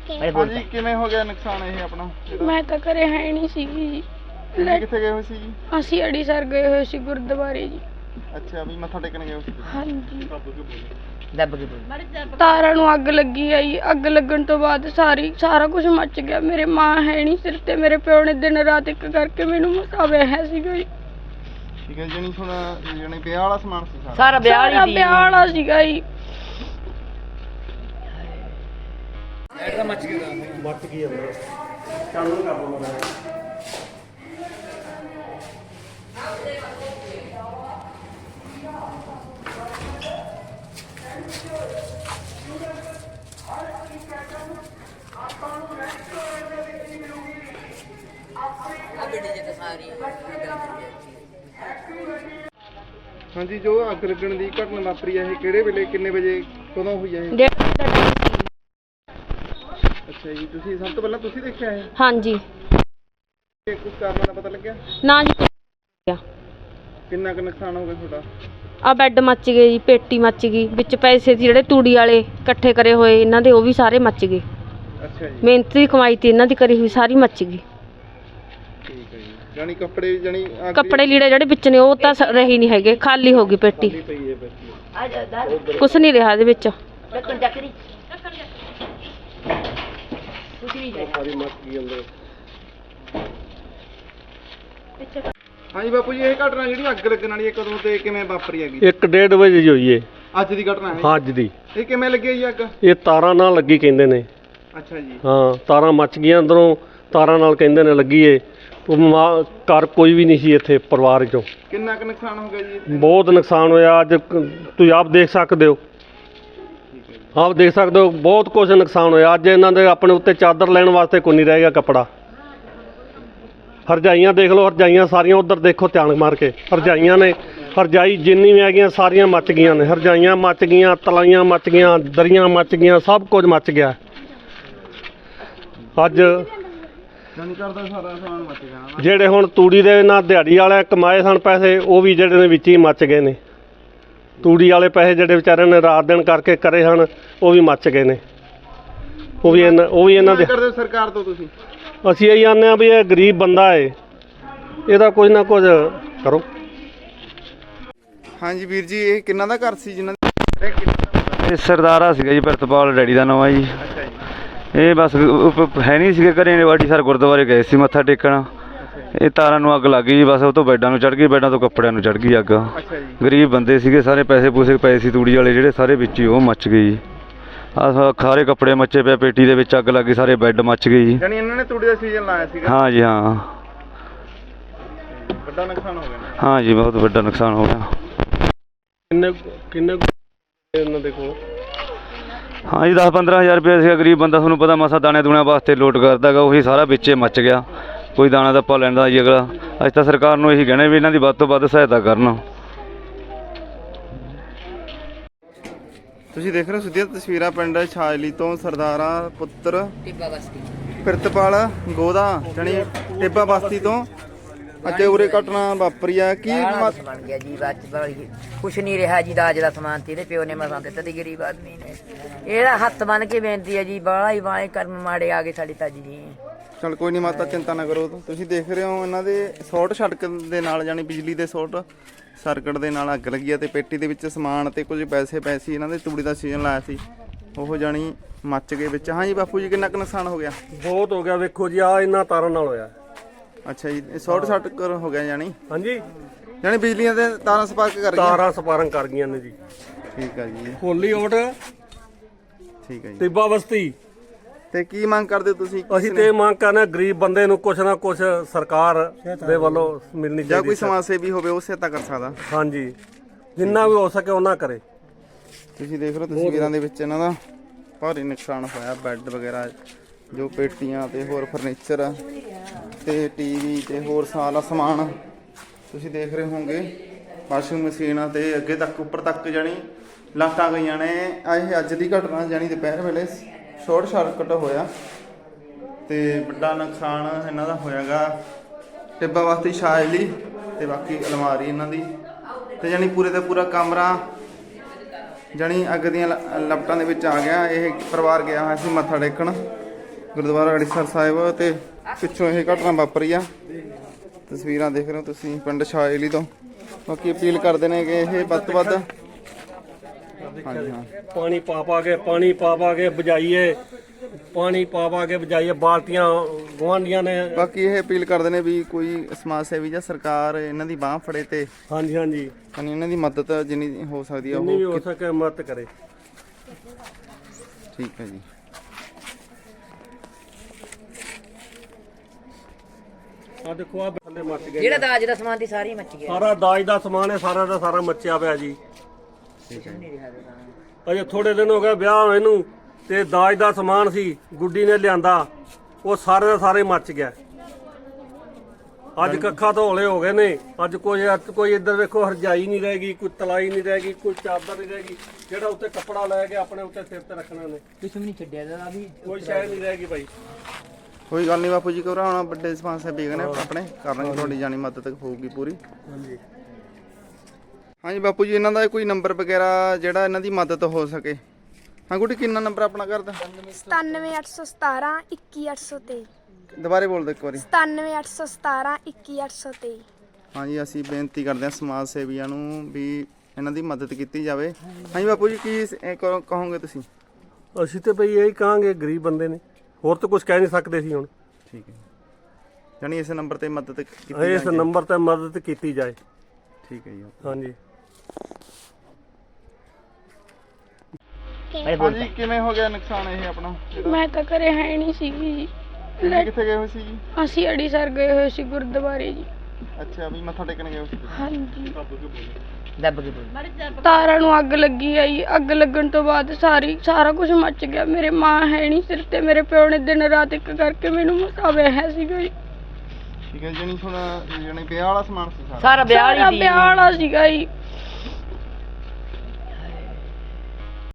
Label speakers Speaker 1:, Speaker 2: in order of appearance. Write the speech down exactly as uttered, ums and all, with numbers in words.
Speaker 1: ਹਾਂਜੀ ਕਿਵੇਂ ਹੋ ਗਿਆ ਨੁਕਸਾਨ ਇਹ ਆਪਣਾ?
Speaker 2: ਮੈਂ ਤਾਂ ਘਰੇ ਹੈ ਨਹੀਂ ਸੀਗੀ ਜੀ।
Speaker 1: ਕਿੱਥੇ ਗਏ ਹੋਏ ਸੀ ਜੀ?
Speaker 2: ਅਸੀਂ ਅੜੀਸਰ ਗਏ ਹੋਏ ਸੀ ਗੁਰਦੁਆਰੇ ਜੀ।
Speaker 1: ਅੱਛਾ ਵੀ ਮੱਥਾ ਟੇਕਣ ਗਏ ਹੋ ਸੀ?
Speaker 2: ਹਾਂਜੀ।
Speaker 3: ਦੱਬ ਕੇ ਬੋਲ।
Speaker 2: ਤਾਰਾਂ ਨੂੰ ਅੱਗ ਲੱਗੀ ਆਈ। ਅੱਗ ਲੱਗਣ ਤੋਂ ਬਾਅਦ ਸਾਰੀ ਸਾਰਾ ਕੁਝ ਮੱਚ ਗਿਆ। ਮੇਰੇ ਮਾਂ ਹੈ ਨਹੀਂ ਸਿਰ ਤੇ। ਮੇਰੇ ਪਿਓ ਨੇ ਦਿਨ ਰਾਤ ਇੱਕ ਕਰਕੇ ਮੈਨੂੰ ਮਸਾ ਵਿਆਹਿਆ ਸੀਗਾ ਜੀ।
Speaker 1: ਠੀਕ ਹੈ ਜਣੀ ਹੁਣ ਜਣੀ ਵਿਆਹ ਵਾਲਾ ਸਮਾਨ ਸੀ ਸਾਰਾ?
Speaker 3: ਸਾਰਾ ਵਿਆਹ ਵਾਲੀ ਸੀ।
Speaker 2: ਵਿਆਹ ਵਾਲਾ ਸੀਗਾ ਜੀ।
Speaker 1: ਐਡਾ ਮੱਚ ਗਿਆ ਮੱਚ ਗਈ ਅੰਦਰ ਚਾਲੂ ਕਰ ਦੋ ਮੇਰਾ। ਹਾਂਜੀ ਜੋ ਅੱਗ ਲੱਗਣ ਦੀ ਘਟਨਾ ਵਾਪਰੀ ਹੈ ਇਹ ਕਿਹੜੇ ਵੇਲੇ ਕਿੰਨੇ ਵਜੇ ਕਦੋਂ ਹੋਈ ਹੈ ਇਹ? ਅੱਛਾ ਜੀ ਤੁਸੀਂ ਸਭ ਤੋਂ ਪਹਿਲਾਂ ਤੁਸੀਂ ਦੇਖਿਆ ਇਹ?
Speaker 4: ਹਾਂਜੀ।
Speaker 1: ਕੁਝ ਕਾਰਨ ਦਾ ਪਤਾ ਲੱਗਿਆ?
Speaker 4: ਨਾ ਜੀ।
Speaker 1: ਕਿੰਨਾ ਕੁ ਨੁਕਸਾਨ ਹੋ ਗਿਆ ਤੁਹਾਡਾ?
Speaker 4: ਆ ਬੈੱਡ ਮੱਚ ਗਏ ਜੀ, ਪੇਟੀ ਮੱਚ ਗਈ, ਵਿੱਚ ਪੈਸੇ ਸੀ ਜਿਹੜੇ ਤੂੜੀ ਵਾਲੇ ਇਕੱਠੇ ਕਰੇ ਹੋਏ ਇਹਨਾਂ ਦੇ ਉਹ ਵੀ ਸਾਰੇ ਮੱਚ ਗਏ।
Speaker 1: ਅੱਛਾ ਜੀ।
Speaker 4: ਮਿਹਨਤ ਦੀ ਕਮਾਈ ਤੇ ਇਹਨਾਂ ਦੀ ਕਰੀ ਹੋਈ ਸਾਰੀ ਮੱਚ ਗਈ।
Speaker 1: ਠੀਕ ਹੈ ਜੀ। ਜਾਨੀ ਕੱਪੜੇ ਜਾਨੀ
Speaker 4: ਕੱਪੜੇ ਲੀੜੇ ਜਿਹੜੇ ਵਿੱਚ ਨੇ ਉਹ ਤਾਂ ਰਹੇ ਨਹੀਂ ਹੈਗੇ, ਖਾਲੀ ਹੋ ਗਈ ਪੇਟੀ। ਕੁਛ ਨਹੀਂ ਰਿਹਾ ਇਹਦੇ ਵਿੱਚ।
Speaker 1: ਹਾਂਜੀ ਬਾਪੂ ਜੀ ਇਹ ਘਟਨਾ ਜਿਹੜੀ ਅੱਗ ਲੱਗਣ ਵਾਲੀ ਹੈ ਕਦੋਂ ਤੇ ਕਿਵੇਂ ਵਾਪਰੀ ਹੈਗੀ?
Speaker 5: ਇੱਕ ਡੇਢ ਵਜੇ ਜੀ ਹੋਈ ਏ
Speaker 1: ਅੱਜ ਦੀ ਘਟਨਾ ਹੈ?
Speaker 5: ਹਾਂ ਅੱਜ ਦੀ।
Speaker 1: ਇਹ ਕਿਵੇਂ ਲੱਗੀ ਜੀ ਅੱਗ?
Speaker 5: ਇਹ ਤਾਰਾਂ ਨਾਲ ਲੱਗੀ ਕਹਿੰਦੇ ਨੇ।
Speaker 1: ਅੱਛਾ ਜੀ।
Speaker 5: ਹਾਂ ਤਾਰਾਂ ਮੱਚ ਗਈਆਂ ਅੰਦਰੋਂ, ਤਾਰਾਂ ਨਾਲ ਕਹਿੰਦੇ ਨੇ ਲੱਗੀ ਏ। ਘਰ ਕੋਈ ਵੀ ਨਹੀਂ ਸੀ ਇੱਥੇ ਪਰਿਵਾਰ ਚੋਂ।
Speaker 1: ਕਿੰਨਾ ਕੁ ਨੁਕਸਾਨ ਹੋ ਗਿਆ ਜੀ ਇੱਥੇ?
Speaker 5: ਬਹੁਤ ਨੁਕਸਾਨ ਹੋਇਆ। ਅੱਜ ਤੁਸੀਂ ਆਪ ਦੇਖ ਸਕਦੇ ਹੋ, ਆਪ ਦੇਖ ਸਕਦੇ ਹੋ ਬਹੁਤ ਕੁਝ ਨੁਕਸਾਨ ਹੋਇਆ। ਅੱਜ ਇਹਨਾਂ ਦੇ ਆਪਣੇ ਉੱਤੇ ਚਾਦਰ ਲੈਣ ਵਾਸਤੇ ਕੋਈ ਨਹੀਂ ਰਹਿ ਗਿਆ ਕੱਪੜਾ। ਹਰਜਾਈਆਂ ਦੇਖ ਲਓ, ਹਰਜਾਈਆਂ ਸਾਰੀਆਂ ਉਧਰ ਦੇਖੋ ਧਿਆਨ ਮਾਰ ਕੇ। ਹਰਜਾਈਆਂ ਨੇ, ਹਰਜਾਈ ਜਿੰਨੀ ਵੀ ਹੈਗੀਆਂ ਸਾਰੀਆਂ ਮੱਚ ਗਈਆਂ ਨੇ। ਹਰਜਾਈਆਂ ਮੱਚ ਗਈਆਂ, ਤਲਾਈਆਂ ਮੱਚ ਗਈਆਂ, ਦਰੀਆਂ ਮੱਚ ਗਈਆਂ, ਸਭ ਕੁਝ ਮੱਚ ਗਿਆ। ਅੱਜ ਜਿਹੜੇ ਹੁਣ ਤੂੜੀ ਦੇ ਨਾਲ ਦਿਹਾੜੀ ਵਾਲੇ ਕਮਾਏ ਸਨ ਪੈਸੇ, ਉਹ ਵੀ ਜਿਹੜੇ ਨੇ ਵਿੱਚ ਹੀ ਮੱਚ ਗਏ ਨੇ। ਤੂੜੀ ਵਾਲੇ ਪੈਸੇ ਜਿਹੜੇ ਵਿਚਾਰਿਆਂ ਨੇ ਰਾਤ ਦਿਨ ਕਰਕੇ ਕਰੇ ਹਨ ਉਹ ਵੀ ਮੱਚ ਗਏ ਨੇ। ਉਹ ਵੀ ਇਹਨਾਂ ਉਹ ਵੀ ਇਹਨਾਂ ਦੇ
Speaker 1: ਸਰਕਾਰ ਤੋਂ ਤੁਸੀਂ?
Speaker 5: ਅਸੀਂ ਇਹੀ ਆਨੇ ਆ ਵੀ ਇਹ ਗਰੀਬ ਬੰਦਾ ਏ, ਇਹਦਾ ਕੁਝ ਨਾ ਕੁਝ ਕਰੋ।
Speaker 1: ਹਾਂਜੀ ਵੀਰ ਜੀ ਇਹ ਕਿੰਨਾ ਦਾ ਘਰ ਸੀ ਜਿਨ੍ਹਾਂ
Speaker 6: ਇਹ ਸਰਦਾਰਾ ਸੀਗਾ ਜੀ, ਪ੍ਰਿਤਪਾਲ ਡੈਡੀ ਦਾ ਨਾਮ ਹੈ ਜੀ।
Speaker 1: ਅੱਛਾ ਜੀ।
Speaker 6: ਇਹ ਬਸ ਹੈ ਨਹੀਂ ਸੀਗੇ ਘਰੇ, ਵਾਡੀ ਸਰ ਗੁਰਦੁਆਰੇ ਗਏ ਸੀ ਮੱਥਾ ਟੇਕਣ। ਇਹ ਤਾਰਾਂ ਨੂੰ ਅੱਗ ਲੱਗ ਗਈ ਜੀ, ਬਸ ਉਹ ਤੋਂ ਬੈੱਡਾਂ ਨੂੰ ਚੜ੍ਹ ਗਈ, ਬੈੱਡਾਂ ਤੋਂ ਕੱਪੜਿਆਂ ਨੂੰ ਚੜ੍ਹ ਗਈ ਅੱਗ।
Speaker 1: ਅੱਛਾ ਜੀ।
Speaker 6: ਗਰੀਬ ਬੰਦੇ ਸੀਗੇ ਸਾਰੇ, ਪੈਸੇ ਪੂਸੇ ਪਏ ਸੀ ਤੂੜੀ ਵਾਲੇ ਜਿਹੜੇ ਸਾਰੇ ਵਿੱਚ ਹੀ ਉਹ ਮੱਚ ਗਏ ਜੀ। ਆਹ ਸਾਰੇ ਕੱਪੜੇ ਮੱਚੇ ਪਏ, ਪੇਟੀ ਦੇ ਵਿੱਚ ਅੱਗ ਲੱਗ ਗਈ, ਸਾਰੇ ਬੈੱਡ ਮੱਚ ਗਏ ਜੀ।
Speaker 1: ਯਾਨੀ ਇਹਨਾਂ ਨੇ ਤੂੜੀ ਦਾ ਸੀਜ਼ਨ ਲਾਇਆ ਸੀਗਾ?
Speaker 6: ਹਾਂ ਜੀ ਹਾਂ।
Speaker 1: ਵੱਡਾ ਨੁਕਸਾਨ ਹੋ ਗਿਆ?
Speaker 6: ਹਾਂ ਜੀ ਬਹੁਤ ਵੱਡਾ ਨੁਕਸਾਨ ਹੋ ਗਿਆ।
Speaker 5: ਕਿੰਨੇ ਕਿੰਨੇ ਇਹਨਾਂ ਦੇ ਕੋਲ?
Speaker 6: ਹਾਂ ਜੀ ਦਸ ਪੰਦਰਾਂ ਹਜ਼ਾਰ ਰੁਪਇਆ ਸੀਗਾ। ਗਰੀਬ ਬੰਦਾ ਤੁਹਾਨੂੰ ਪਤਾ ਮਸਾ ਦਾਣੇ ਦੂਣਿਆਂ ਵਾਸਤੇ ਲੋਟ ਕਰਦਾ ਗਾ, ਉਹੀ ਸਾਰਾ ਵਿੱਚੇ ਮੱਚ ਗਿਆ। ਕੋਈ ਦਾਣਾ ਦਾ ਪਾ ਲੈਂਦਾ ਜੀ ਅਗਲਾ। ਅੱਜ ਤਾਂ ਸਰਕਾਰ ਨੂੰ ਇਹੀ ਕਹਿਣਾ ਵੀ ਇਹਨਾਂ ਦੀ ਵੱਧ ਤੋਂ ਵੱਧ ਸਹਾਇਤਾ ਕਰਨ।
Speaker 1: ਤੁਸੀਂ ਦੇਖ ਰਹੇ ਹੋ ਸਿੱਧੀਆਂ ਤਸਵੀਰਾਂ ਪਿੰਡ ਛਾਜਲੀ ਤੋਂ ਸਰਦਾਰਾ ਪੁੱਤਰ ਪ੍ਰਿਤਪਾਲ ਗੋਦਾ ਜਾਨੀ ਟਿੱਬਾ ਬਸਤੀ ਤੋਂ ਅੱਜ ਉਰੇ ਘਟਨਾ ਵਾਪਰੀ ਆ। ਕੀ
Speaker 3: ਬਣ ਗਿਆ ਜੀ ਬਾਅਦ ਚ ਕੁਛ ਨਹੀਂ ਰਿਹਾ ਜੀ। ਦਾਜ ਦਾ ਸਮਾਨ ਤੇ ਇਹਦੇ ਪਿਓ ਨੇ ਮਸਾਂ ਦਿੱਤਾ ਤੇ ਗਰੀਬ ਆਦਮੀ ਨੇ। ਇਹਦਾ ਹੱਥ ਬੰਨ ਕੇ ਬੇਨਤੀ ਹੈ ਜੀ, ਬਾਹਲਾ ਹੀ ਬਾਹਲੇ ਕਰਮ ਮਾੜੇ ਆ ਗਏ ਸਾਡੀ ਤਾਜੀ ਜੀ।
Speaker 1: ਚਲ ਕੋਈ ਨਹੀਂ ਮਾਤਾ ਚਿੰਤਾ ਨਾ ਕਰੋ। ਤੁਸੀਂ ਦੇਖ ਰਹੇ ਹੋ ਇਹਨਾਂ ਦੇ ਸ਼ਾਰਟ ਸੜਕ ਦੇ ਨਾਲ ਜਾਨੀ ਬਿਜਲੀ ਦੇ ਸ਼ਾਰਟ ਸਰਕਟ ਦੇ ਨਾਲ ਅੱਗ ਲੱਗੀ ਆ ਤੇ ਪੇਟੀ ਦੇ ਵਿੱਚ ਸਮਾਨ ਤੇ ਕੁਝ ਪੈਸੇ ਪਏ ਸੀ। ਇਹਨਾਂ ਦੇ ਤੂੜੀ ਦਾ ਸੀਜ਼ਨ ਲਾਇਆ ਸੀ, ਉਹ ਜਾਨੀ ਮੱਚ ਗਏ ਵਿੱਚ। ਹਾਂਜੀ ਬਾਪੂ ਜੀ ਕਿੰਨਾ ਕੁ ਨੁਕਸਾਨ ਹੋ ਗਿਆ?
Speaker 5: ਬਹੁਤ ਹੋ ਗਿਆ। ਵੇਖੋ ਜੀ ਆਹ ਇਹਨਾਂ ਤਾਰਾਂ ਨਾਲ ਹੋਇਆ।
Speaker 1: ਅੱਛਾ ਜੀ ਸ਼ਾਰਟ ਸਰਕਟ ਹੋ ਗਿਆ ਜਾਨੀ?
Speaker 5: ਹਾਂਜੀ
Speaker 1: ਜਾਨੀ ਬਿਜਲੀਆਂ ਦੇ ਤਾਰਾਂ ਸਪਾਰਕ ਕਰ ਗਈਆਂ?
Speaker 5: ਤਾਰਾਂ ਸਪਾਰਕ ਕਰ ਗਈਆਂ ਨੇ ਜੀ।
Speaker 1: ਠੀਕ ਆ ਜੀ।
Speaker 5: ਹੋਲੀ ਓਟ
Speaker 1: ਠੀਕ ਹੈ ਜੀ।
Speaker 5: ਟਿੱਬਾ ਬਸਤੀ।
Speaker 1: ਤੇ ਕੀ ਮੰਗ ਕਰਦੇ ਹੋ ਤੁਸੀਂ?
Speaker 5: ਅਸੀਂ ਤੇ ਮੰਗ ਕਰਨਾ ਗਰੀਬ ਬੰਦੇ ਨੂੰ ਕੁਛ ਨਾ ਕੁਛ ਸਰਕਾਰ ਦੇ ਵੱਲੋਂ ਮਿਲਣੀ ਚਾਹੀਦੀ।
Speaker 1: ਜਾਂ ਕੋਈ ਸਮਾਜ ਸੇਵੀ ਹੋਵੇ ਉਹ ਸਹਾਇਤਾ ਕਰ ਸਕਦਾ।
Speaker 5: ਹਾਂਜੀ ਜਿੰਨਾ ਵੀ ਹੋ ਸਕੇ ਉਹਨਾਂ ਕਰੇ।
Speaker 1: ਤੁਸੀਂ ਦੇਖ ਲਓ ਤਸਵੀਰਾਂ ਦੇ ਵਿੱਚ ਇਹਨਾਂ ਦਾ ਭਾਰੀ ਨੁਕਸਾਨ ਹੋਇਆ। ਬੈੱਡ ਵਗੈਰਾ ਜੋ ਪੇਟੀਆਂ ਤੇ ਹੋਰ ਫਰਨੀਚਰ ਤੇ ਟੀਵੀ ਤੇ ਹੋਰ ਸਾਰਾ ਸਮਾਨ ਤੁਸੀਂ ਦੇਖ ਰਹੇ ਹੋਵੋਗੇ। ਵਾਸ਼ਿੰਗ ਮਸ਼ੀਨ ਤੇ ਅੱਗੇ ਤੱਕ ਉੱਪਰ ਤੱਕ ਜਾਣੀ ਲਾਟਾਂ ਗਈਆਂ ਨੇ। ਇਹ ਅੱਜ ਦੀ ਘਟਨਾ ਜਾਣੀ ਦੁਪਹਿਰ ਵੇਲੇ ਸ਼ਾਰਟ ਸਰਕਟ ਹੋਇਆ ਤੇ ਵੱਡਾ ਨੁਕਸਾਨ ਇਹਨਾਂ ਦਾ ਹੋਇਆਗਾ। ਟਿੱਬਾ ਬਸਤੀ ਛਾਜਲੀ ਤੇ ਬਾਕੀ ਅਲਮਾਰੀ ਇਹਨਾਂ ਦੀ ਤੇ ਜਾਣੀ ਪੂਰੇ ਦਾ ਪੂਰਾ ਕਮਰਾ ਜਾਣੀ ਅੱਗ ਦੀਆਂ ਲਪਟਾਂ ਦੇ ਵਿੱਚ ਆ ਗਿਆ। ਇਹ ਪਰਿਵਾਰ ਗਿਆ ਹੋਇਆ ਸੀ ਮੱਥਾ ਟੇਕਣ ਗੁਰਦੁਆਰਾ ਅੜੀਸਰ ਸਾਹਿਬ ਤੇ ਪਿੱਛੋਂ ਇਹ ਘਟਨਾ ਵਾਪਰੀ ਆ। ਤਸਵੀਰਾਂ ਦੇਖ ਰਹੇ ਹੋ ਤੁਸੀਂ ਪਿੰਡ ਸ਼ਾਇਲੀ ਤੋਂ। ਬਾਕੀ ਅਪੀਲ ਕਰਦੇ ਨੇ ਕਿ ਇਹ ਵੱਧ ਤੋਂ ਵੱਧ ਹਾਂਜੀ ਹਾਂ
Speaker 5: ਪਾਣੀ ਪਾ ਪਾ ਕੇ ਪਾਣੀ ਪਾ ਪਾ ਕੇ ਬੁਝਾਈਏ, ਪਾਣੀ ਪਾ ਪਾ ਕੇ ਬੁਝਾਈਏ। ਬਾਲਟੀਆਂ ਗੁਆਂਢੀਆਂ ਨੇ
Speaker 1: ਬਾਕੀ ਇਹ ਅਪੀਲ ਕਰਦੇ ਨੇ ਵੀ ਕੋਈ ਸਮਾਜ ਸੇਵੀ ਜਾਂ ਸਰਕਾਰ ਇਹਨਾਂ ਦੀ ਬਾਹ ਫੜੇ ਤੇ
Speaker 5: ਹਾਂਜੀ ਹਾਂਜੀ
Speaker 1: ਯਾਨੀ ਇਹਨਾਂ ਦੀ ਮਦਦ ਜਿੰਨੀ ਹੋ ਸਕਦੀ ਆ
Speaker 5: ਜਿੰਨੀ ਵੀ
Speaker 1: ਉਹ
Speaker 5: ਹੋ ਸਕੇ ਮਦਦ ਕਰੇ।
Speaker 1: ਠੀਕ ਹੈ ਜੀ।
Speaker 5: ਆ ਦੇਖੋ ਆ ਥੱਲੇ ਮੱਚ ਗਏ
Speaker 3: ਜਿਹੜਾ ਦਾਜ ਦਾ ਸਮਾਨ ਸੀ ਸਾਰੀ ਮੱਚ ਗਿਆ।
Speaker 5: ਸਾਰਾ ਦਾਜ ਦਾ ਸਮਾਨ ਹੈ, ਸਾਰਾ ਦਾ ਸਾਰਾ ਮੱਚਿਆ ਪਿਆ ਜੀ। ਅਜੇ ਥੋੜੇ ਦਿਨ ਹੋ ਗਏ ਵਿਆਹ ਹੋਏ ਨੂੰ ਤੇ ਦਾਜ ਦਾ ਸਮਾਨ ਸੀ ਗੁੱਡੀ ਨੇ ਲਿਆਂਦਾ, ਉਹ ਸਾਰੇ ਦਾ ਸਾਰੇ ਮੱਚ ਗਿਆ। ਅੱਜ ਕੱਖਾਂ ਧੋਲੇ ਹੋ ਗਏ ਨੇ। ਅੱਜ ਕੋਈ ਕੋਈ ਇੱਧਰ ਵੇਖੋ ਹਰਜਾਈ ਨਹੀਂ ਰਹੇਗੀ, ਕੋਈ ਤਲਾਈ ਨਹੀਂ ਰਹੇਗੀ, ਕੋਈ ਚਾਦਰ ਨਹੀਂ ਰਹੇਗੀ। ਜਿਹੜਾ ਉੱਤੇ ਕੱਪੜਾ ਲੈ ਕੇ ਆਪਣੇ ਉੱਤੇ ਸਿਰ ਤੇ ਰੱਖਣਾ ਨੇ,
Speaker 3: ਕੁਛ ਵੀ ਨਹੀਂ ਛੱਡਿਆ ਦਾ ਵੀ
Speaker 5: ਕੋਈ ਸ਼ੈ ਨਹੀਂ ਰਹੇਗੀ ਭਾਈ।
Speaker 1: ਕੋਈ ਗੱਲ ਨਹੀਂ ਬਾਪੂ ਜੀ, ਘਬਰਾਉਣਾ ਵੱਡੇ ਸਮਾਜ ਸੇਵੀ ਨੇ ਆਪਣੇ ਕਰਨਗੇ, ਤੁਹਾਡੀ ਜਾਣੀ ਮਦਦ ਹੋਊਗੀ ਪੂਰੀ।
Speaker 5: ਹਾਂਜੀ
Speaker 1: ਹਾਂਜੀ ਬਾਪੂ ਜੀ, ਇਹਨਾਂ ਦਾ ਕੋਈ ਨੰਬਰ ਵਗੈਰਾ ਜਿਹੜਾ ਇਹਨਾਂ ਦੀ ਮਦਦ ਹੋ ਸਕੇ। ਹਾਂ ਗੁੱਡੀ, ਕਿੰਨਾ ਨੰਬਰ ਆਪਣਾ ਘਰ ਦਾ?
Speaker 7: ਸਤਾਨਵੇਂ ਅੱਠ ਸੌ ਸਤਾਰਾਂ ਇੱਕੀ ਅੱਠ ਸੌ ਤੇਈ।
Speaker 1: ਦੁਬਾਰੇ ਬੋਲ ਦਿਓ ਇੱਕ ਵਾਰੀ।
Speaker 7: ਸਤਾਨਵੇਂ ਅੱਠ ਸੌ ਸਤਾਰਾਂ ਇੱਕੀ ਅੱਠ ਸੌ ਤੇਈ।
Speaker 1: ਹਾਂਜੀ, ਅਸੀਂ ਬੇਨਤੀ ਕਰਦੇ ਹਾਂ ਸਮਾਜ ਸੇਵੀਆਂ ਨੂੰ ਵੀ ਇਹਨਾਂ ਦੀ ਮਦਦ ਕੀਤੀ ਜਾਵੇ। ਹਾਂਜੀ ਬਾਪੂ ਜੀ, ਕੀ ਸ- ਇਹ ਕਹੋ- ਕਹੋਗੇ ਤੁਸੀਂ?
Speaker 5: ਅਸੀਂ ਤੇ ਭਈ ਇਹੀ ਕਹਾਂਗੇ, ਗਰੀਬ ਬੰਦੇ ਨੇ, ਹੋਰ ਤਾਂ ਕੁਝ ਕਹਿ ਨਹੀਂ ਸਕਦੇ ਸੀ ਹੁਣ।
Speaker 1: ਠੀਕ ਹੈ, ਜਾਣੀ ਇਸ ਨੰਬਰ ਤੇ ਮਦਦ ਕੀਤੀ
Speaker 5: ਇਸ
Speaker 1: ਜਾਵੇ।
Speaker 5: ਨੰਬਰ ਤੇ ਮਦਦ ਕੀਤੀ ਜਾਏ।
Speaker 1: ਠੀਕ ਹੈ ਜੀ।
Speaker 5: ਹਾਂਜੀ
Speaker 1: ਹਾਂਜੀ, ਕਿਵੇਂ ਹੋ ਗਿਆ ਨੁਕਸਾਨ ਇਹ ਆਪਣਾ?
Speaker 2: ਮੈਂ ਤਾਂ ਘਰੇ ਹੈ ਨਹੀਂ ਸੀਗੀ ਜੀ।
Speaker 1: ਤੁਸੀਂ ਕਿੱਥੇ ਗਏ ਹੋਏ ਸੀ ਜੀ?
Speaker 2: ਅਸੀਂ ਅੜੀਸਰ ਗਏ ਹੋਏ ਸੀ ਗੁਰਦੁਆਰੇ ਜੀ।
Speaker 1: ਅੱਛਾ, ਵੀ ਮੱਥਾ ਟੇਕਣ ਗਏ ਹੋਏ ਸੀ।
Speaker 2: ਹਾਂਜੀ,
Speaker 3: ਦੱਬ ਕੇ ਬੋਲ।
Speaker 2: ਤਾਰਾਂ ਨੂੰ ਅੱਗ ਲੱਗੀ ਆ ਜੀ। ਅੱਗ ਲੱਗਣ ਤੋਂ ਬਾਅਦ ਸਾਰੀ ਸਾਰਾ ਕੁਝ ਮੱਚ ਗਿਆ। ਮੇਰੇ ਮਾਂ ਹੈ ਨਹੀਂ ਸਿਰ ਤੇ, ਮੇਰੇ ਪਿਓ ਨੇ ਦਿਨ ਰਾਤ ਇੱਕ ਕਰਕੇ ਮੈਨੂੰ ਮਸਾਵੇ ਹੈ ਸੀਗਾ ਜੀ।
Speaker 1: ਠੀਕ ਹੈ, ਜਾਣੀ ਹੁਣ ਜਾਣੀ ਵਿਆਹ ਵਾਲਾ ਸਮਾਨ ਸੀ ਸਾਰਾ।
Speaker 3: ਸਾਰਾ ਵਿਆਹ
Speaker 2: ਸਾਰਾ
Speaker 3: ਵਾਲੀ
Speaker 2: ਵਿਆਹ ਵਾਲਾ ਸੀਗਾ ਜੀ।